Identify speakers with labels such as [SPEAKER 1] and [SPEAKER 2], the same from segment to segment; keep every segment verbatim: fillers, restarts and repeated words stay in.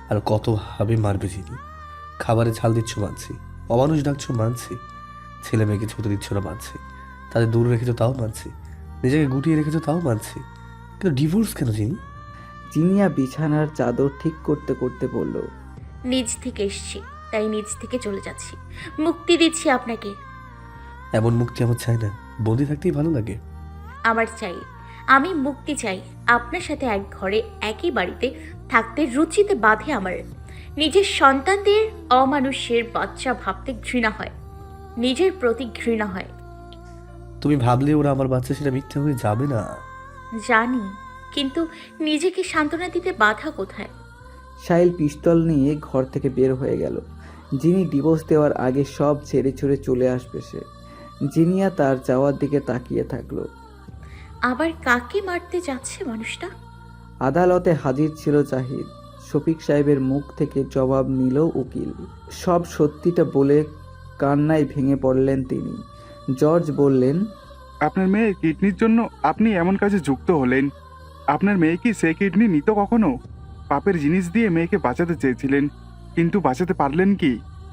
[SPEAKER 1] আর কতভাবে মারবে চিনি। খাবারে ঝাল দিচ্ছ মানছি, অমানুষ ডাকছো মানছি, ছেলে মেয়েকে ছুতে দিচ্ছ না মানছি, তাদের দূরে রেখেছো তাও মানছি, নিজেকে গুটিয়ে রেখেছো তাও মানছি, কিন্তু ডিভোর্স কেন চিনি?
[SPEAKER 2] জিনিয়া বিছানার চাদর ঠিক করতে করতে বলল,
[SPEAKER 3] নিজ থেকে এসছি, তাই নিজ থেকে চলে যাচ্ছি। মুক্তি দিচ্ছি আপনাকে।
[SPEAKER 1] এমন মুক্তি আমার চাই না, বন্দি থাকতেই ভালো লাগে।
[SPEAKER 3] আমার চাই, আমি মুক্তি চাই। আপনার সাথে এক ঘরে একই বাড়িতে থাকতে রুচিতে বাঁধে আমার। নিজের সন্তানদের অমানুষের বাচ্চা ভাবতে ঘৃণা হয়, নিজের প্রতি ঘৃণা হয়।
[SPEAKER 1] তুমি ভাবলে ওরা আমার বাচ্চা, সেটা মিথ্যা হয়ে যাবে না।
[SPEAKER 3] জানি, কিন্তু নিজেকে সান্ত্বনা দিতে বাধা কোথায়?
[SPEAKER 2] সাহিল পিস্তল নিয়ে ঘর থেকে বের হয়ে গেল। যিনি ডিভোর্স দেওয়ার আগে সব ছেড়ে ছুড়ে চলে আসবে সে। জিনিয়া তার যাওয়ার দিকে তাকিয়ে থাকলো।
[SPEAKER 3] আবার কাকে মারতে যাচ্ছে মানুষটা?
[SPEAKER 2] আদালতে হাজির ছিল জাহিদ। শফিক সাহেবের মুখ থেকে জবাব নিল উকিল। সব সত্যিটা বলে কান্নায় ভেঙে পড়লেন তিনি। জর্জ বললেন,
[SPEAKER 4] আপনার মেয়ের কিডনির জন্য আপনি এমন কাজে যুক্ত হলেন। আপনার মেয়ে কি সে কিডনি নিত কখনো? পাপের জিনিস দিয়ে মেয়েকে বাঁচাতে চেয়েছিলেন, কিন্তু বাঁচাতে পারলেন কি?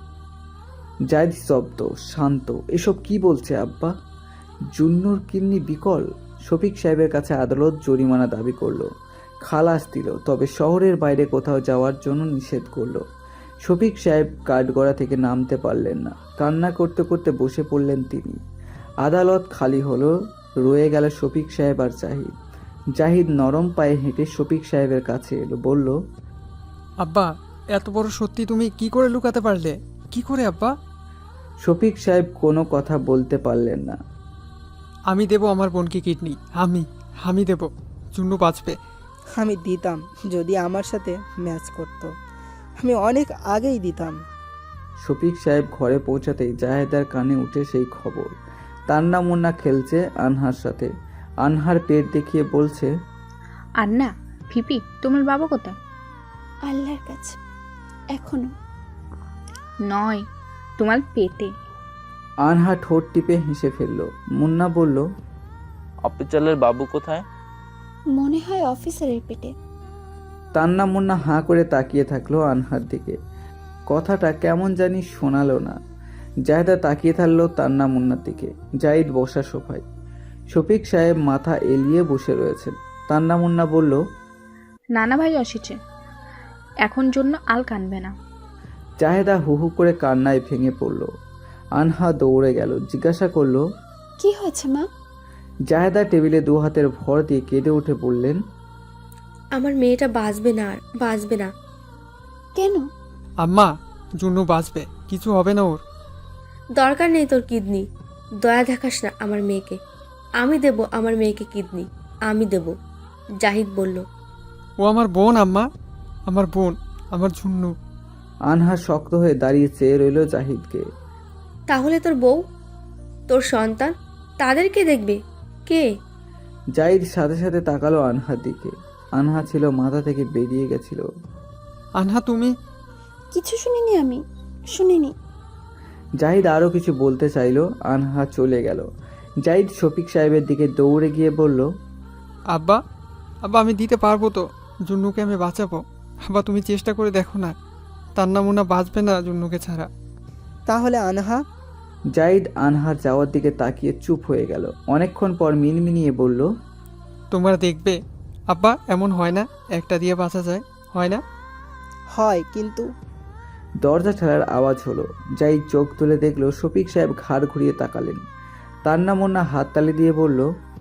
[SPEAKER 2] জাহিদ স্তব্ধ, শান্ত। এসব কি বলছে আব্বা? জুন্নুর কিডনি বিকল? শফিক সাহেবের কাছে আদালত জরিমানা দাবি করলো, খালাস দিল, তবে শহরের বাইরে কোথাও যাওয়ার জন্য নিষেধ করলো। শফিক সাহেব কাঠগড়া থেকে নামতে পারলেন না। কান্না করতে করতে বসে পড়লেন তিনি। আদালত খালি হলো, রয়ে গেল শফিক সাহেব আর জাহিদ। জাহিদ নরম পায়ে হেঁটে শফিক সাহেবের কাছে এলো, বলল,
[SPEAKER 5] আব্বা, এত বড় সত্যি তুমি কি করে লুকাতে পারলে? কি করে আব্বা?
[SPEAKER 2] শফিক সাহেব কোনো কথা বলতে পারলেন না।
[SPEAKER 5] আমি দেব আমার বোনকে কিডনি, আমি আমি দেব। জুন্নু বাঁচবে।
[SPEAKER 6] আমি দিতাম যদি আমার সাথে ম্যাচ করতো। আমি অনেক আগেই দিতাম।
[SPEAKER 2] শফিক সাহেব ঘরে পৌঁছাতেই জাহেদার কানে উঠে সেই খবর। তান্না মুন্না খেলছে আনহার সাথে। আনহার পেট দেখিয়ে বলছে,
[SPEAKER 7] আন্না, ফিপি, তোমার বাবা কোথায়?
[SPEAKER 8] আল্লাহর কাছে এখনো।
[SPEAKER 7] নয়, তোমার পেটে।
[SPEAKER 2] আনহা ঠোঁট টিপে হেসে ফেলল। মুন্না বলল,
[SPEAKER 9] অফিসারের বাবু কোথায়?
[SPEAKER 8] মনে হয় অফিসারের পেটে।
[SPEAKER 2] তান্না মুন্না হাঁ করে তাকিয়ে থাকলো আনহার দিকে। কথাটা কেমন জানি শোনালো না। জাহেদা তাকিয়ে থাকলো তান্না মুন্নার দিকে। জাহিদ বসা সোফায়। শফিক সাহেব মাথা এলিয়ে বসে রয়েছেন। তান্না মুন্না বলল,
[SPEAKER 7] নানা ভাই আসিছে, এখন জন্য আল কানবে না।
[SPEAKER 2] জাহেদা হু হু করে কান্নায় ভেঙে পড়ল। আনহা দৌড়ে গেল, জিজ্ঞাসা করলো,
[SPEAKER 8] কি হয়েছে মা?
[SPEAKER 2] জাহেদা টেবিলে দু হাতের ভর দিয়ে কেঁদে উঠে বললেন,
[SPEAKER 10] আমার মেয়েটা বাঁচবে না, আর বাঁচবে না।
[SPEAKER 8] কেন?
[SPEAKER 5] আম্মা, জুন্নু বাঁচবে, কিছু হবে না ওর।
[SPEAKER 10] দরকার নেই তোর কিডনি, দয়া দেখাস না আমার মেয়েকে। আমি দেব আমার মেয়েকে কিডনি, আমি দেব। জাহিদ বলল।
[SPEAKER 5] ও আমার বোন আম্মা, আমার বোন, আমার জুন্নু।
[SPEAKER 2] আনহা শক্ত হয়ে দাঁড়িয়ে চেয়ে রইল জাহিদকে।
[SPEAKER 10] তাহলে তোর বউ, তোর সন্তান, তাদেরকে দেখবে কে?
[SPEAKER 2] জাহিদ সাথে সাথে তাকালো আনহার দিকে। আনহা ছিল মাথা থেকে বেরিয়ে গেছিল।
[SPEAKER 5] আনহা তুমি?
[SPEAKER 8] কিছু শুনিনি, আমি শুনিনি।
[SPEAKER 2] জাহিদ আরও কিছু বলতে চাইল, আনহা চলে গেল। জাহিদ শফিক সাহেবের দিকে দৌড়ে গিয়ে বলল,
[SPEAKER 5] আব্বা, আব্বা আমি দিতে পারবো তো, জুন্নুকে আমি বাঁচাবো। আব্বা তুমি চেষ্টা করে দেখো না, তান্না মুন্না বাঁচবে না জুন্নুকে ছাড়া।
[SPEAKER 6] তাহলে আনহা?
[SPEAKER 2] জাহিদ আনহার যাওয়ার দিকে তাকিয়ে চুপ হয়ে গেল। অনেকক্ষণ পর মিনমিনিয়ে বলল,
[SPEAKER 5] তোমরা দেখবে আব্বা, এমন হয় না একটা দিয়ে বাঁচা যায়, হয় না?
[SPEAKER 6] হয়, কিন্তু
[SPEAKER 2] দরজা ঠেলার আওয়াজ হলো। জাহিদ চোখ তুলে দেখলো শফিক সাহেব ঘাড় ঘুরিয়ে তাকালেন। তান্না মুন্না হাত তালি দিয়ে বলল,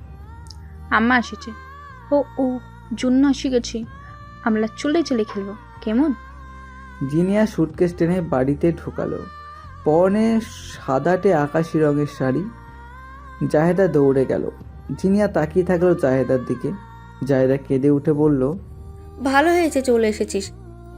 [SPEAKER 7] আম্মা আসিছে। ও ও জুন্নু আসি গেছি, আমরা চলে চলে খেলবো, কেমন?
[SPEAKER 2] জিনিয়া সুটকেস টেনে বাড়িতে ঢুকালো। পরনে সাদাটে আকাশি রঙের শাড়ি। জাহেদা দৌড়ে গেল। জিনিয়া তাকিয়ে থাকলো জাহেদার দিকে। জাহেদা কেঁদে উঠে বলল,
[SPEAKER 10] ভালো হয়েছে চলে এসেছিস।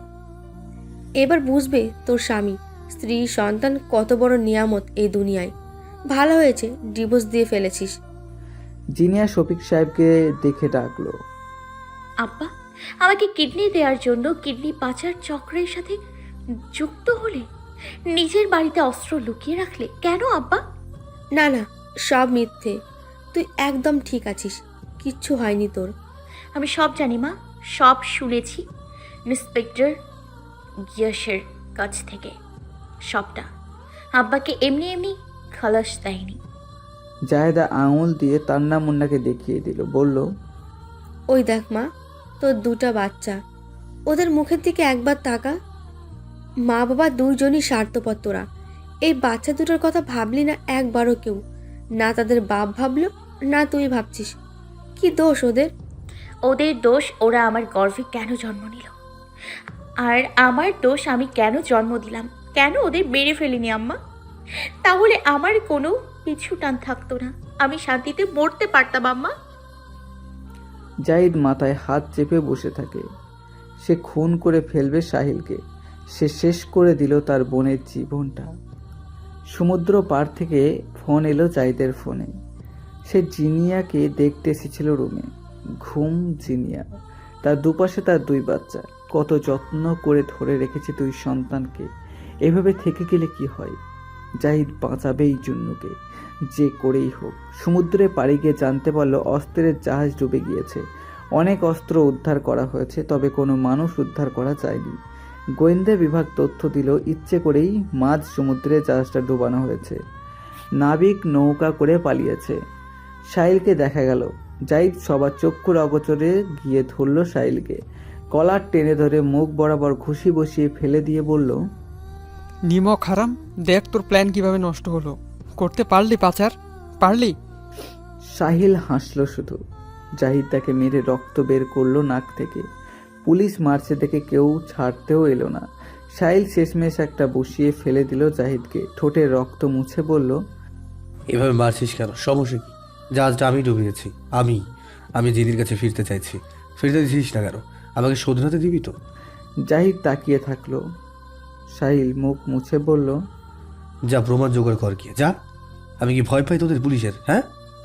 [SPEAKER 10] এবার বুঝবে তোর স্বামী, স্ত্রী, সন্তান কত বড় নিয়ামত এই দুনিয়ায়। ভালো হয়েছে ডিভোর্স দিয়ে ফেলেছিস।
[SPEAKER 2] জিনিয়া শফিক সাহেবকে দেখে ডাকলো,
[SPEAKER 3] আব্বা, আমাকে কিডনি দেওয়ার জন্য কিডনি পাচার চক্রের সাথে যুক্ত হলে, নিজের বাড়িতে অস্ত্র লুকিয়ে রাখলে কেন আব্বা?
[SPEAKER 10] না না, সব মিথ্যে। তুই একদম ঠিক আছিস, কিচ্ছু হয়নি তোর।
[SPEAKER 3] আমি সব জানি মা, সব শুনেছি। ইন্সপেক্টর গিয়াসের কাছ থেকে সবটা। আব্বাকে এমনি এমনি খালাস দেয়নি।
[SPEAKER 2] জাহেদা আঙুল দিয়ে তান্না মুন্নাকে দেখিয়ে দিল, বলল,
[SPEAKER 10] ওই দেখ মা, তোর দুটা বাচ্চা, ওদের মুখের দিকে একবার তাকা। মা বাবা দুইজনই স্বার্থপর তোরা। এই বাচ্চা দুটোর কথা ভাবলি না একবারও কেউ? না তাদের বাপ ভাবলো, না তুই ভাবছিস। কি দোষ ওদের?
[SPEAKER 3] ওদের দোষ ওরা আমার গর্ভে কেন জন্ম নিল, আর আমার দোষ আমি কেন জন্ম দিলাম, কেন ওদের মেরে ফেলিনি আম্মা। তাহলে আমার কোনো পিছু টান থাকতো না, আমি শান্তিতে মরতে পারতাম আম্মা।
[SPEAKER 2] জাহিদ মাথায় হাত চেপে বসে থাকে। সে খুন করে ফেলবে সাহিলকে। সে শেষ করে দিল তার বোনের জীবনটা। সমুদ্র পার থেকে ফোন এলো জাহিদের ফোনে। সে জিনিয়াকে দেখতে এসেছিল রুমে। ঘুম জিনিয়া, তার দুপাশে তার দুই বাচ্চা। কত যত্ন করে ধরে রেখেছে দুই সন্তানকে। এভাবে থেকে গেলে কি হয়? জাহিদ বাঁচাবেই জুন্নুকে, যে করেই হোক। সমুদ্রে পাড়ি গিয়ে জানতে পারলো অস্ত্রের জাহাজ ডুবে গিয়েছে। অনেক অস্ত্র উদ্ধার করা হয়েছে, তবে কোনো মানুষ উদ্ধার করা যায়নি। গোয়েন্দা বিভাগ তথ্য দিল ইচ্ছে করেই মাঝ সমুদ্রে জাহাজটা ডুবানো হয়েছে। নাবিক নৌকা করে পালিয়েছে। সাহিলকে দেখা গেল। জাহিদ সবার চক্ষুর অগোচরে গিয়ে ধরল সাহিলকে। কলার টেনে ধরে মুখ বরাবর ঘুষি বসিয়ে ফেলে দিয়ে বলল,
[SPEAKER 5] নিমক হারাম, দেখ তোর প্ল্যান কিভাবে নষ্ট হলো। করতে পারলি পাচার, পারলি?
[SPEAKER 2] সাহিল হাসল শুধু। জাহিদ তাকে মেরে রক্ত বের করলো নাক থেকে। পুলিশ মারছে দেখে কেউ ছাড়তেও এলো না। সাহিল শেষমেশ একটা বসিয়ে ফেলে দিল জাহিদকে। ঠোঁটে রক্ত মুছে বলল,
[SPEAKER 1] এভাবে মারছিস কেন? সমস্যা কি? জাহাজটা আমি ডুবিয়েছি। আমি আমি জিনির কাছে ফিরতে চাইছি। ফিরতে দিছিস না কেন? আমাকে শোধরাতে দিবি তো?
[SPEAKER 2] জাহিদ তাকিয়ে থাকলো। সাহিল মুখ মুছে বলল,
[SPEAKER 1] যা প্রমাণ জোগাড় কর গিয়ে, যা। আমি কি ভয় পাই তোদের পুলিশের? হ্যাঁ,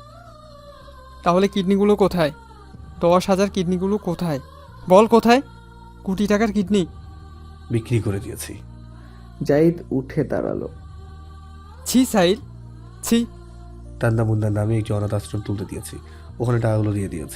[SPEAKER 5] তাহলে কিডনিগুলো কোথায়? দশ হাজার কিডনিগুলো কোথায়? বল কোথায়? কোটি টাকার কিডনি
[SPEAKER 1] বিক্রি করে দিয়েছি।
[SPEAKER 2] জাহিদ উঠে দাঁড়ালো।
[SPEAKER 5] ছি সাহিল, ছি।
[SPEAKER 1] তান্না মুন্নার নামে একটি অনাথ আশ্রম তুলতে দিয়েছি, ওখানে টাকাগুলো দিয়ে দিয়েছি।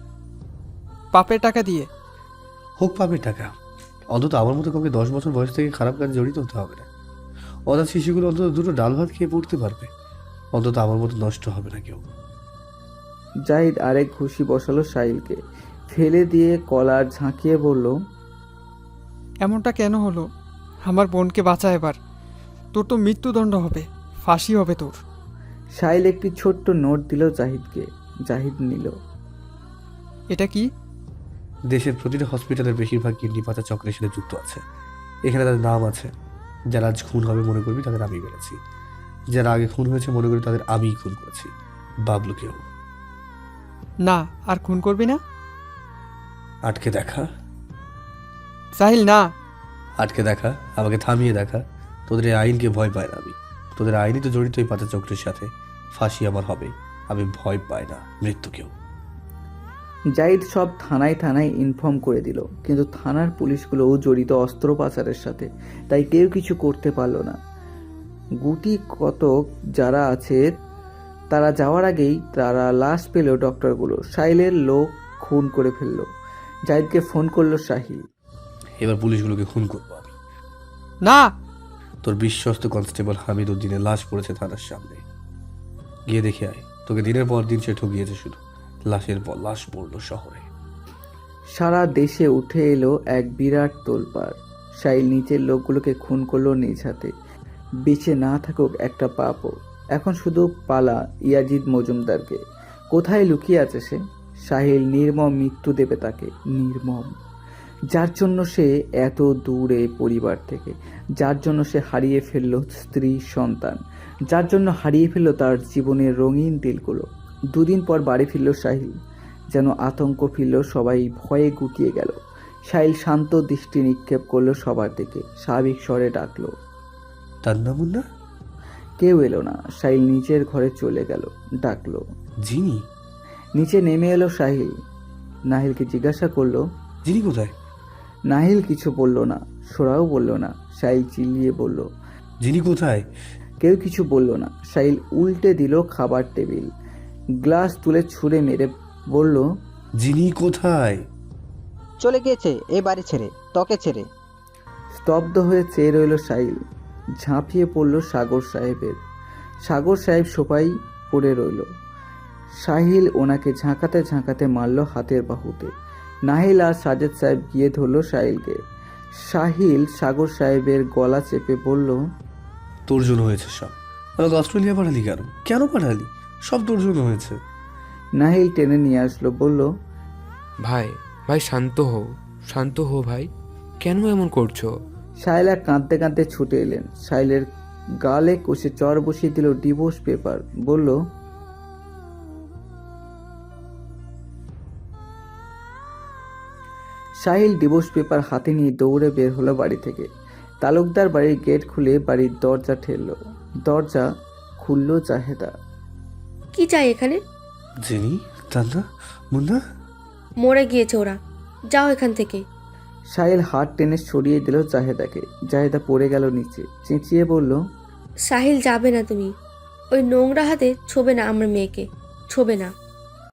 [SPEAKER 5] পাপের টাকা দিয়ে?
[SPEAKER 1] হোক পাবে টাকা, অন্তত আমার মতো কাউকে দশ বছর বয়স থেকে খারাপ কাজে জড়িত হতে হবে না। অনাথ শিশুগুলো অন্তত দুটো ডাল ভাত খেয়ে পড়তে পারবে, অন্তত আমার মতো নষ্ট হবে না কেউ।
[SPEAKER 2] জাহিদ আরেক ঘুষি বসালো সাহিলকে। ফেলে দিয়ে কলার ঝাঁকিয়ে বলল,
[SPEAKER 5] এমনটা কেন হলো? আমার বোনকে বাঁচা এবার। তোর তো মৃত্যুদণ্ড হবে, ফাঁসি হবে তোর।
[SPEAKER 2] সাহিল একটি ছোট্ট নোট দিল জাহিদকে। জাহিদ নিল।
[SPEAKER 5] এটা কি?
[SPEAKER 1] দেশের প্রতিটা হসপিটালের বেশিরভাগ কিডনি পাচার চক্রের সাথে যুক্ত আছে। এখানে তাদের নাম আছে। যারা আজ খুন হবে মনে করবি তাদের আমি মেরেছি, যারা আগে খুন হয়েছে মনে করি তাদের আমিই খুন করেছি, বাবলুকেও।
[SPEAKER 5] না, আর খুন করবি না।
[SPEAKER 1] আটকে দেখা
[SPEAKER 5] সাহিল, না।
[SPEAKER 1] আটকে দেখা, আমাকে থামিয়ে দেখা। তোদের এই আইনকে ভয় পায় না আমি। তোদের আইনই তো জড়িত এই পাচার চক্রের সাথে। ফাঁসি আমার হবে, আমি ভয় পাই না মৃত্যুকেও।
[SPEAKER 2] জাহিদ সব থানায় থানায় ইনফর্ম করে দিল, কিন্তু থানার পুলিশগুলোও জড়িত অস্ত্র পাচারের সাথে, তাই কেউ কিছু করতে পারল না। গুটি কতক যারা আছে তারা যাওয়ার আগেই তারা লাশ পেল ডক্টরগুলো। সাহিলের লোক খুন করে ফেলল। জাহিদকে ফোন করলো সাহিল।
[SPEAKER 1] এবার পুলিশগুলোকে খুন করবো আমি।
[SPEAKER 5] না।
[SPEAKER 1] তোর বিশ্বস্ত কনস্টেবল হামিদ উদ্দিনের লাশ পড়েছে থানার সামনে, গিয়ে দেখে আয়। তোকে দিনের পর দিন সে ঠকিয়েছে, শুধু লাশের পর লাশ পড়লো শহরে।
[SPEAKER 2] সারা দেশে উঠে এলো এক বিরাট তোলপাড়। সাহিল নিচের লোকগুলোকে খুন করলো নিজ হাতে। বেঁচে না থাকুক একটা পাপও। এখন শুধু পালা ইয়াজিদ মজুমদারকে। কোথায় লুকিয়ে আছে সে? সাহিল নির্মম মৃত্যু দেবে তাকে, নির্মম। যার জন্য সে এত দূরে পরিবার থেকে, যার জন্য সে হারিয়ে ফেললো স্ত্রী সন্তান, যার জন্য হারিয়ে ফেললো তার জীবনের রঙিন দিলগুলো। দুদিন পর বাড়ি ফিরল সাহিল। যেন আতঙ্ক ফিরল, সবাই ভয়ে গুটিয়ে গেল। সাহিল শান্ত দৃষ্টি নিক্ষেপ করলো সবার দিকে, স্বাভাবিক স্বরে ডাকলো,
[SPEAKER 1] তান্না মুন্না।
[SPEAKER 2] কেউ এলো না। সাহিল নিচের ঘরে চলে গেল। ডাকলো,
[SPEAKER 1] জিনি।
[SPEAKER 2] নিচে নেমে এলো সাহিল। নাহিলকে জিজ্ঞাসা করলো,
[SPEAKER 1] জিনি কোথায়?
[SPEAKER 2] নাহিল কিছু বলল না, সোরাও বলল না। সাহিল চিল্লিয়ে বলল,
[SPEAKER 1] জিনি কোথায়?
[SPEAKER 2] কেউ কিছু বলল না। সাহিল উল্টে দিল খাবার টেবিল, গ্লাস তুলে ছুঁড়ে মেরে বলল,
[SPEAKER 1] জিনি কোথায়?
[SPEAKER 6] চলে গিয়েছে এ বাড়ি ছেড়ে, তোকে ছেড়ে।
[SPEAKER 2] স্তব্ধ হয়ে চেয়ে রইল সাহিল। ঝাঁপিয়ে পড়ল সাগর সাহেবের। সাগর সাহেব সোফায় পড়ে রইল। সাহিল ওনাকে ঝাঁকাতে ঝাঁকাতে মারল হাতের বাহুতে। নাহিল আর সাজেদ সাহেব গিয়ে ধরল সাহিলকে। সাহিল সাগর সাহেবের গলা চেপে বলল,
[SPEAKER 1] তোর জন্য হয়েছে সব। আমাকে অস্ট্রেলিয়া পাঠালি কেন? কেন পাঠালি? সব তোর জন্য হয়েছে।
[SPEAKER 2] নাহিল টেনে নিয়ে আসলো, বলল,
[SPEAKER 11] ভাই ভাই শান্ত হও, শান্ত হও ভাই, কেন এমন করছো?
[SPEAKER 2] সাহিলা কাঁদতে কাঁদতে ছুটে এলেন। সাহিলের গালে কষে চর বসিয়ে দিল ডিভোর্স পেপার। বলল, সাহিল ডিভোর্স পেপার হাতে নিয়ে দৌড়ে বের হলো বাড়ি থেকে। তালুকদার বাড়ির গেট খুলে বাড়ির দরজা ঠেলল। দরজা খুলল জাহেদা।
[SPEAKER 10] কি চাই এখানে?
[SPEAKER 1] জেনি, তান্না, মুন্না।
[SPEAKER 10] মরে গিয়েছে ওরা, যাও এখান থেকে।
[SPEAKER 2] সাহিল হাত টেনে সরিয়ে দিল জাহেদাকে। জাহেদা পড়ে গেল নিচে, চেঁচিয়ে বলল,
[SPEAKER 10] সাহিল যাবে না, তুমি ওই নোংরা হাতে ছোবে না আমার মেয়েকে, ছোবে না।